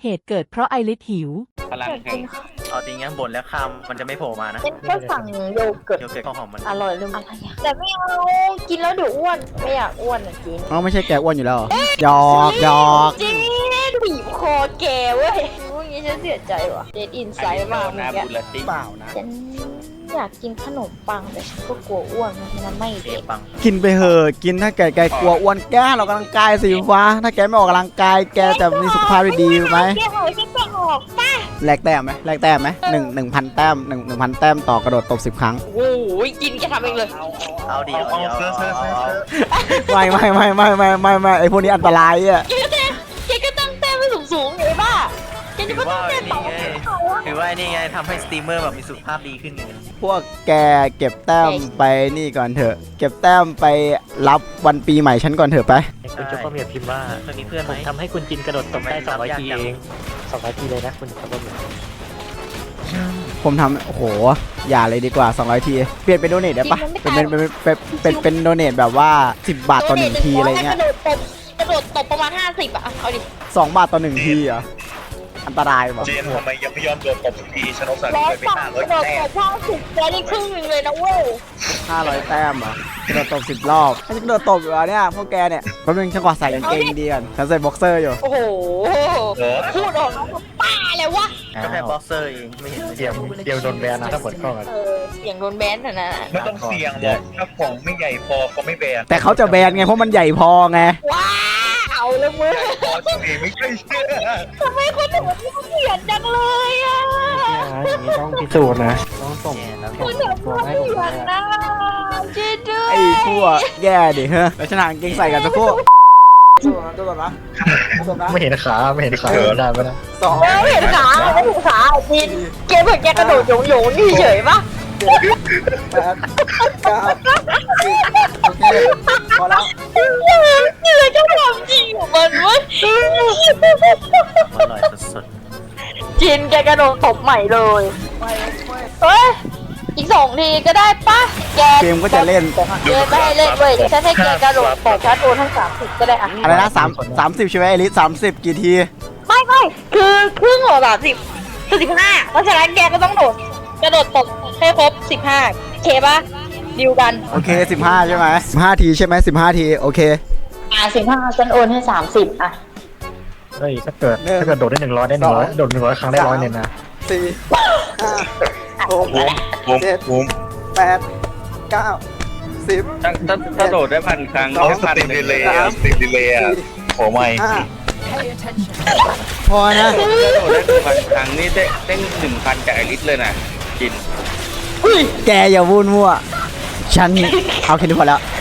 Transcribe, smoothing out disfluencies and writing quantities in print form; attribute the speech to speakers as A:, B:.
A: เหตุเกิดเพราะไอริสหิว
B: พลังแห่งเอาจริงงั้นบ่นแล้วข้ามมันจะไม่โผล่มานะ
C: เป็นก็สั่งโยเกิร์ต
B: โยเกิร์ตข้าวหอมมัน
C: อร่อยเลยอะไรอะแต่ไม่เอากินแล้วเดี๋ยวอ้วนไม่อยากอ้วนอ่ะกิน
D: อ๋อไม่ใช่แกอ้วนอยู่แล้วหยอกหยอก
C: จริงบีบคอแกเว้ยรู้อย่างงี้ฉันเสียใจว่ะเดดอินไซด์มาก
B: นะ
C: เมื่อ
B: บุ
C: กี้
B: ลติ
D: เปล่านะ
C: ฉันอยากกินขนมปังแต่ฉันก็กลัวอ้วนมันไม่
B: เอ
C: เด็ก
B: ปัง
D: กินไปเหอะกินถ้าแกกลัวอ้วนแกเรากำลังกายสิวะถ้าแกไม่ออกกำลังกายแกจะมีสุขภาพดีไหม
C: แกหอยแกออกป่ะ
D: แลกแต้มไหมแลกแต้มไหมหนึ่งพันแต้มหนึ่งพันแต้มต่อกระโดดตบ10 ครั้ง
C: โอ้ยกินแกทำเองเลย
B: เอาดีเอาดี
D: ไม่ไอพวกนี้อันตรายอ่ะ
C: แกก็ตั้งแต้มไว้สูงๆเลยป่ะแกจะ
B: ถื
C: ไม่
B: อ
C: ต้อ
B: ว่าง
C: แต้ม
B: นี่
C: ต่อ
B: ไงถือว่านี่ไงทำให้สตรีมเมอร์แบบมีสุขภาพดีขึ้นไง
D: พวกแกเก็บแต้มไปนี่ก่อนเถอะ เก็บแต้มไปรับวันปีใหม่ฉันก่อนเถอะไป
E: คุณจุ๊บก็มีพิมพ์ว่า
B: เคยมีเพื่อนไหม
E: ทำให้คุณจินกระโดดตบได้200 ทีเอง200 ทีเลยนะคุณจุ๊บก็มี
D: ผมทำโอ้โหอย่าเลยดีกว่า200 ทีเปลี่ยนเป็นโดเนทได้ปะเป็นโดเนทแบบว่า10 บาทต่อ1ทีอะไรเงี้ย
C: กระโดดตบประมาณ50อ่ะเอาดิ
D: 2 บาทต่อ1ทีเหรออันตรายว่ะ
F: เจนทำไมยังไม่ยอมโดนตบสักทีชนกสัน
C: ร้
F: นิ
C: อย
F: ไป
C: บาท
F: 500
C: กระโดด
F: แต้
C: ต
F: ม
C: บ50ได้ครึ่งนึงเลยนะเว้ย
D: 500 แต้มเหรอกระโดดตบ10 รอบถ้าจะกระโดดตบอยู่อะเนี่ยพวกแกเนี่ยแป๊บนึงฉันขอใส่กางเกงดีก่อนฉันใส่บ็อกเซอร์อยู่
C: โอ้โห
F: เหรอ
C: พูดออกแล้วป้าเลยวะ
B: ก็แค่บ็อกเซอร์เองไม่เห็น
E: เดียวโดนแบนนะถ้าเปิดกล้องอะ
C: เสียงโดนแบนน่ะนะ
F: ไม่ต้องเสี่ยงหรอกถ้าของไม่ใหญ่พอเขาไม่แบน
D: แต่เขาจะแบนไงเพราะมันใหญ่พอไง
C: ว้าเอาแล้วมึง
F: พอสิไม่ใช่เชื่อ
C: ทำไมคนถึงมันเขียนจังเลยอ่ะ
E: อย่างนี้ต้องพิสูจน์นะต้องส่ง
C: คนถึงมันเขียนนะช่วยด้วย
D: ไอ้พวกแย่ดิเฮ้ยแล้วฉันหากางเกงใส่กันสักครู่ตัวก่อนนะ
E: ไม่เห็นขาไม่เห็นขาไม่ได้ไม่ได้
D: สอง
C: ไม่เห็นขาไม่เห็นขาจินเกมเหมือนแกกระโดดโยงๆนี่เฉยปะ
D: 8 9 10โอเคพอแล้ว
C: นี่เลยเจ้าความจริงของมันเว้ย
B: อร่อยสุด
C: จินแกกระโดดตบใหม่เลยเฮ้ยอีก2 ทีก็ได้ปะแก
D: เกมก็จะเล่น
C: เกมไม่ให้เล่นเว้ยฉันให้แกกระโดดตบฉันโดนทั้ง30ก็ได้อะ
D: อะไรนะ30ใช่ไหมไอริส30 กี่ที
C: ไม่คือครึ่งหัว30 15เพราะฉะนั้นแกก็ต้องกระโดดตบให้ครบ15เคปะดิวกัน
D: โอเค15ใช่ไหม15 ทีใช่ไหม15 ทีโอเค
C: 15ฉันโอนให้30อ่ะ
E: เฮ้ยถ้าเกิดโดดได้100ได้100โดด100 ครั้งได้100เนี่ยนะ
D: 4 5
F: บูม
D: 6
F: บูม
D: 7 8 9 10
B: ถ้าโดดได้พันครั้ง
F: เอาสติมดีเลยอะสติมดีเลยอะขอไม่
D: พอนะ
B: โดดได้พันครั้งนี่ได้1,000จากไอริสเลยนะกิน
D: แกอย่าวุ่นมั่วฉันเอาแค่นี้พอแล้ว